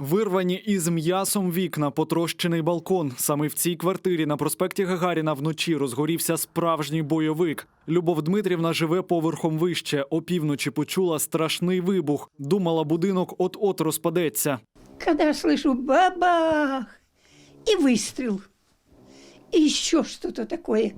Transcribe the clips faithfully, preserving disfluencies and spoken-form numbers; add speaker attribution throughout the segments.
Speaker 1: Вирвані із м'ясом вікна, потрощений балкон. Саме в цій квартирі на проспекті Гагаріна вночі розгорівся справжній бойовик. Любов Дмитрівна живе поверхом вище. Опівночі почула страшний вибух. Думала, будинок от-от розпадеться.
Speaker 2: Когда я слышу бабах и выстрел, и еще что-то такое,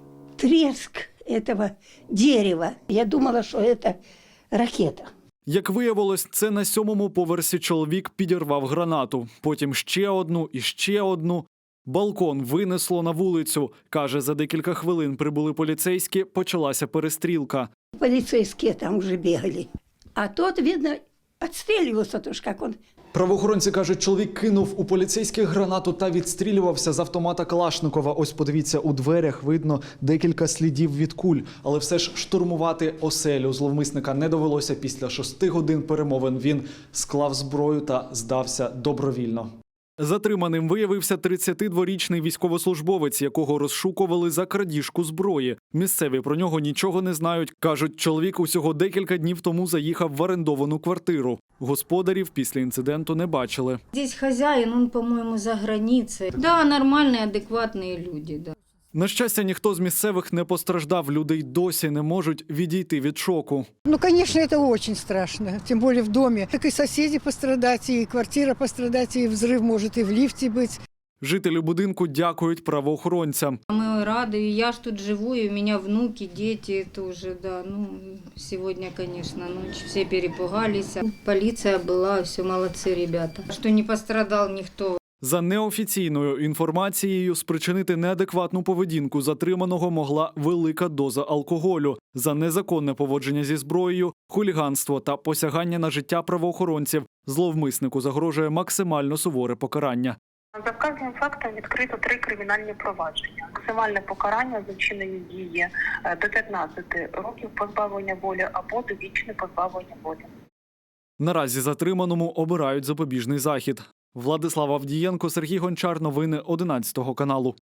Speaker 2: треск этого дерева. Я думала, что это ракета.
Speaker 1: Як виявилось, це на сьомому поверсі чоловік підірвав гранату. Потім ще одну і ще одну. Балкон винесло на вулицю. Каже, за декілька хвилин прибули поліцейські, почалася перестрілка.
Speaker 2: Полицейские там уже бегали. А тот, видно, отстреливался тоже, как он.
Speaker 1: Правоохоронці кажуть, чоловік кинув у поліцейських гранату та відстрілювався з автомата Калашникова. Ось подивіться, у дверях видно декілька слідів від куль. Але все ж штурмувати оселю зловмисника не довелося. Після шести годин перемовин він склав зброю та здався добровільно. Затриманим виявився тридцятидворічний військовослужбовець, якого розшукували за крадіжку зброї. Місцеві про нього нічого не знають. Кажуть, чоловік усього декілька днів тому заїхав в орендовану квартиру. Господарів після інциденту не бачили.
Speaker 3: Здесь хозяин, он, по-моему, за границей. Да, нормальные, адекватные люди, да.
Speaker 1: На щастя, ніхто з місцевих не постраждав. Люди й досі не можуть відійти від шоку.
Speaker 4: Ну, конечно, это очень страшно, тем более в доме. Так и соседи пострадать, и квартира пострадать, и взрыв может и в лифте быть.
Speaker 1: Жителі будинку дякують правоохоронцям.
Speaker 3: Мы рады, и я ж тут живу, и у меня внуки, дети тоже, да. Ну, сегодня, конечно, ночь, все перепугались. Полиция была, все молодцы ребята. Что не пострадал никто.
Speaker 1: За неофіційною інформацією, спричинити неадекватну поведінку затриманого могла велика доза алкоголю. За незаконне поводження зі зброєю, хуліганство та посягання на життя правоохоронців зловмиснику загрожує максимально суворе покарання.
Speaker 5: За вказаним фактом відкрито три кримінальні провадження. Максимальне покарання за вчинені дії до п'ятнадцяти років позбавлення волі або довічне позбавлення волі.
Speaker 1: Наразі затриманому обирають запобіжний захід. Владислав Авдієнко, Сергій Гончар. Новини одинадцятого каналу.